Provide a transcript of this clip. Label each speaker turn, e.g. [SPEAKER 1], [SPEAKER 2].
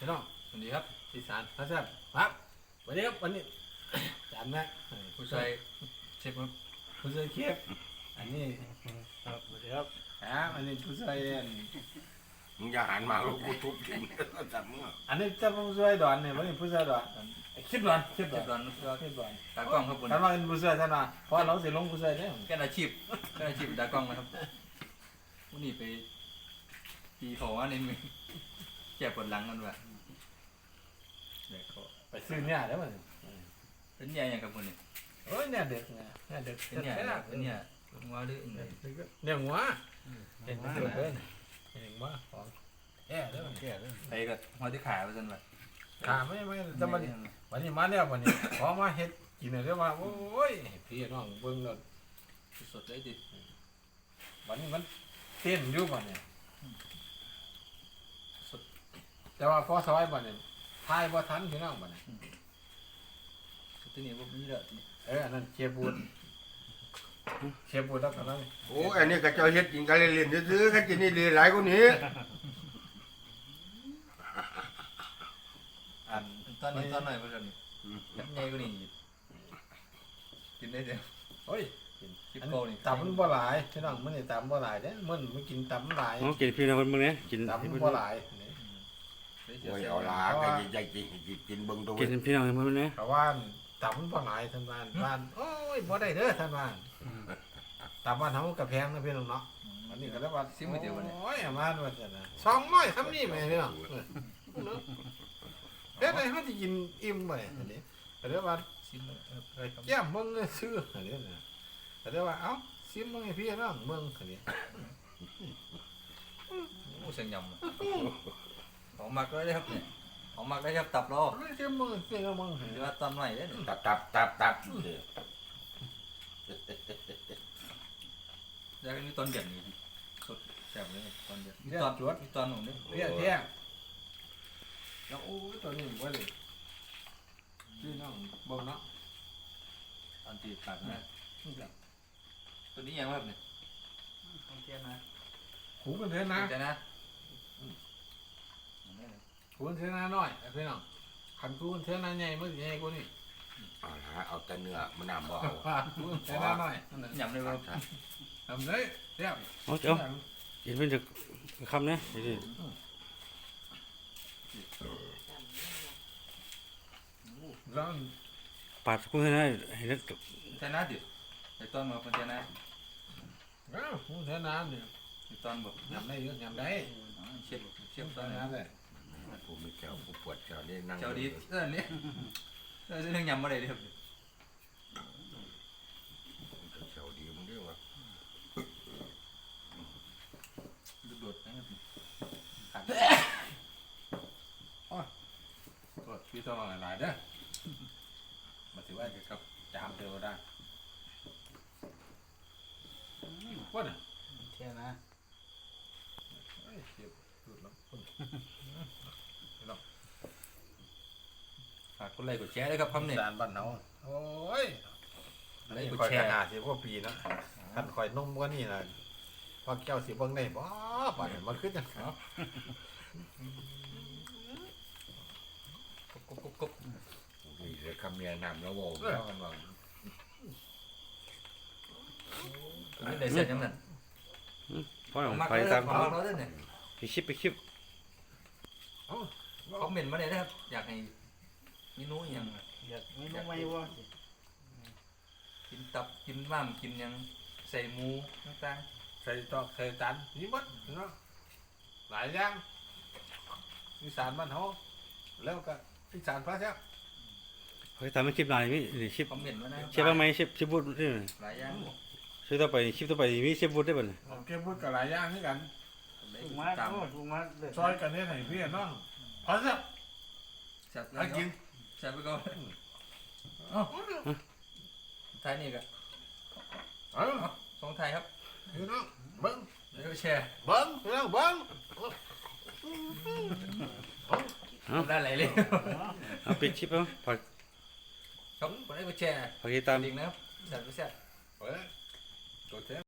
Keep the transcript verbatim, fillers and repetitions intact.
[SPEAKER 1] พี่น้อง
[SPEAKER 2] สวัสดีครับ
[SPEAKER 1] อีสานพระแซ่บครับวันนี้ครับวันนี้จานแม่
[SPEAKER 2] ผู้ชายเชฟครับ
[SPEAKER 1] ผู้ช่วยเคียบอันนี้
[SPEAKER 3] ครับสวัสดีครับ
[SPEAKER 1] ครับอันนี้ผู้ช่วยอัน
[SPEAKER 4] มึงอย่าหันมาแล้วกูทุบทิ้งจับมึงอ่ะ
[SPEAKER 1] อันนี้จะผู้ช่วยดอนเนี่ยวันนี้ผู้ช่วยดอนคลิปดอนคลิป
[SPEAKER 2] เช
[SPEAKER 1] ดอน
[SPEAKER 2] ฟร้อนก็
[SPEAKER 1] คลิปดอน
[SPEAKER 2] ตากล้องครับผม
[SPEAKER 1] ท่านว่าเป็นผู้ช่วยท่านว่าเพราะเราสิลงผู้ช่วยเนี่ย
[SPEAKER 2] แค่อาชีพแค่อาชีพตากล้องนะครับวันนี้ไปตีเขาว่าในมือแก้ปวดหลังกันว่ะเด็กเขา
[SPEAKER 1] ไปซื้อเนี่ยเดี๋ยวมัน
[SPEAKER 2] เป็นใหญ่ยังครับคุณเนี่ย
[SPEAKER 1] โอ้ยเนี่ยเด็กเนี่ยเนี่ยเด็ก
[SPEAKER 2] เป็นใหญ่เป็นใหญ่ว่าดื้อยังไง
[SPEAKER 1] เนี่ยหัวเห็นเด็กเลยเห็นหัวของแอ่เด้อ
[SPEAKER 3] แก่เลย
[SPEAKER 2] ไปกับหัวที่ขาไปจนแบบ
[SPEAKER 1] ขาไม่ไม่จะมาวันนี้มาเนี่ยวันนี้ขอมาเฮ็ดกินเลยเรียกว่าโอ้ยพี่น้องเบิ่งแล้ว
[SPEAKER 2] สดเลยดิ
[SPEAKER 1] วันนี้มันเต้นอยู่บ่เนี่ยแต่ว่าพอซอยบ่เนี่ยทายบ่ทันพี่น้องบ่เนี่ย
[SPEAKER 2] ตัวนี้พวกนี้เด้อ
[SPEAKER 1] เอออันนั้นเชียบูดเชียบูดแล้วกันนั้น
[SPEAKER 4] โอ้อันนี้ก็เจ้าเฮ็ดกินกันเล่นๆซื้อๆกันกินนี่ดีหลายกว่านี้
[SPEAKER 1] อัน
[SPEAKER 2] ตอนนี้ตอนหน่อยก็จะยับใหญ่กว่านี้กินได้เดียว
[SPEAKER 1] โอ้ย
[SPEAKER 2] คลิป
[SPEAKER 1] อัน
[SPEAKER 2] โกนี่
[SPEAKER 1] ตับมันบ่หลายพี่น้องมันนี่ตับบ่หลายเด้มันมันกินตับมันหลาย
[SPEAKER 3] อ๋อกินพี่น้องคนมึงเนี่ยกิน
[SPEAKER 1] ตับ
[SPEAKER 3] ให้
[SPEAKER 1] มัน
[SPEAKER 3] เพิ่น
[SPEAKER 1] บ่หลายนี่
[SPEAKER 4] โอ้ยเอาล่ะก็ใหญ่ๆกินกินเบิ่งตัว
[SPEAKER 3] กินพี่น้องคนมึงเนี่ย
[SPEAKER 1] เพราะว่าตับมันบ่หลายท่านบ้านบ้านโอ้ยบ่ได้เด้อท่านบ้านตับบ้านเฮาก็แพงนะพี่น้องเนาะอันนี้ก็แล้วว่าซิมื้อเดียวบัดนี้โอ้ยมาว่าซั่นน่ะสองร้อยคำนี้แม่พี่น้องเฮ็ดให้เฮาสิกินอิ่มบ่อันนี้ก็แล้วว่า
[SPEAKER 2] ซิมเลยเออ
[SPEAKER 1] เอ้ยแก้มเบิ่งเลยซื้ออันนี้นะแต่ได้ว่าเอ้าซิมเบิ่งให้พี่น้องเบิ่งอันนี้
[SPEAKER 2] โอ้เสียงยำของมักได้ครับเนี่ยของมักได้ครับตับรอ
[SPEAKER 1] ไม่ซิมเบิ่งพี่น้องเบิ่ง
[SPEAKER 2] หรือว่าตอนใหม่ได้เนี่ย
[SPEAKER 4] ตับตับตับตับ
[SPEAKER 2] แล้วก็มีตอนเดือดนี่สดแซ่บเลยตอนเดือดมีตอนจวดมีตอนหนุ่มเนี่ย
[SPEAKER 1] เพี้ยเพี้ยแล้วโอ้ยตัวนี้บ่เลยพี่น้องเบิ่งเนาะ
[SPEAKER 2] ตอนตีปากนะตัวนี้ยังครับเนี่ยตอนเทียนนะ
[SPEAKER 1] หูกันเท่านะ
[SPEAKER 2] ใจนะ
[SPEAKER 1] หูกันเท่านะน้อยพี่น้องขันกูกันเท่านะใหญ่มันสิใหญ่กว่านี้
[SPEAKER 4] เอาล่ะเอาแต่เนื้อมันน้ำบ่เอา
[SPEAKER 1] หูกันเท่านะน้อย
[SPEAKER 2] ยำเลยครับ
[SPEAKER 1] ทำเลยเพี้ย
[SPEAKER 3] เอาเจ้ากินเป็นจะคำเนี่ยนี่
[SPEAKER 1] แล้ว
[SPEAKER 3] ปาดกุ้งให้ได้ให้ได้
[SPEAKER 2] ใจนะดิไอตอนมาเป็นใจนะ
[SPEAKER 1] อ้าวหูเท่านะเนี่ย
[SPEAKER 2] ไอตอนบอก
[SPEAKER 1] ยำได้เยอะยำได้
[SPEAKER 2] เชียบเชียบตอ
[SPEAKER 1] เท่าน
[SPEAKER 2] นั้
[SPEAKER 1] นั้น นเลย
[SPEAKER 4] กูมีแก้วกูปวดแก้วนี่นั่ง
[SPEAKER 2] เจ้าดีเออเนี่ยเออเรื่องยำอะไรครับ
[SPEAKER 4] แก้วดีมึงเด้อวะ
[SPEAKER 2] โดดนะครับขาด
[SPEAKER 1] กดพี่ต้องหลายๆเด้อมาถือว่ากับจามเดียวได้ว่าน่ะ
[SPEAKER 2] เทียนะ
[SPEAKER 1] เอ้ยเจ็บหลุดแล้ว
[SPEAKER 2] ฝากกดไลค์กดแชร์ด้วยครับคำเนี่ย
[SPEAKER 1] จานบ้านเฮาโอ้ย
[SPEAKER 2] ไลค์
[SPEAKER 1] นี่
[SPEAKER 2] กด
[SPEAKER 1] คอย
[SPEAKER 2] แช
[SPEAKER 1] ข
[SPEAKER 2] ร์
[SPEAKER 1] นาดสิพวกปีนะท่านคอยนุ่มกว่านี่นะพอแก้วสิเบิ่งได้บ่ป่านนี้มันขึ้นจัง
[SPEAKER 2] กบกบกบกบ
[SPEAKER 4] นี่เลยคำเมียน้ำแล้วบ่แล้วกันว่า
[SPEAKER 2] ไม่ได้เสร็จยังนั่น
[SPEAKER 3] พ่อหนุ่ม
[SPEAKER 2] มัก
[SPEAKER 3] ไป
[SPEAKER 2] เลย
[SPEAKER 3] ตาม
[SPEAKER 2] ของเราด้วยเนี่ย
[SPEAKER 3] ไปคลิปไปคลิป
[SPEAKER 2] คอมเมนต์มาเลยนะครับอยากให้เมนูยัง
[SPEAKER 3] อยากไม่รู้ไม่ว่า
[SPEAKER 2] กินตับกินม้ามกินยังใส่หมูต่าง
[SPEAKER 1] ใส่ตอกใส่จานนี่หมดเนาะหลายอย่างอีสานบ้านเฮาแล้วก็อีสานพระเจ้า
[SPEAKER 3] เขาทำเป็นคลิปหลายนี่นี่คลิป
[SPEAKER 2] ๆคอมเมนต์มานะ
[SPEAKER 3] เชฟบ้างไหมเชฟเชฟบูดนี่
[SPEAKER 2] หลายอย่าง
[SPEAKER 3] ช่วยต่อไปคลิปต่อไปมีเชฟบูดได้ป่ะเนี่ย
[SPEAKER 1] เอาเก็บพูดกับหลายอย่างให้กัน
[SPEAKER 3] ถูกมา
[SPEAKER 2] ตาม
[SPEAKER 3] ถูกมาเลย
[SPEAKER 1] ซอยกันเฮ็ดให้พี่น้องพระเจ้า
[SPEAKER 2] แซ่บ
[SPEAKER 1] ให้กิน
[SPEAKER 2] แซ่บไปก่อน
[SPEAKER 1] เอ้า
[SPEAKER 2] ไทยนี่ก็
[SPEAKER 1] เอ้า
[SPEAKER 2] สองไทยครับ
[SPEAKER 1] พี่น้องเบิ่ง
[SPEAKER 2] แล้วก็แชร์
[SPEAKER 1] เบิ้งพี่น้องเบิ้ง
[SPEAKER 2] ได้หลายเลย
[SPEAKER 3] เอาปิดคลิปแล้วฝาก
[SPEAKER 2] ครับกดไลค์กดแชร์
[SPEAKER 3] ฝากติดตาม
[SPEAKER 2] ลิงก์นะครับแซ่บไปแซ่บ
[SPEAKER 1] เอ้ยตัวเท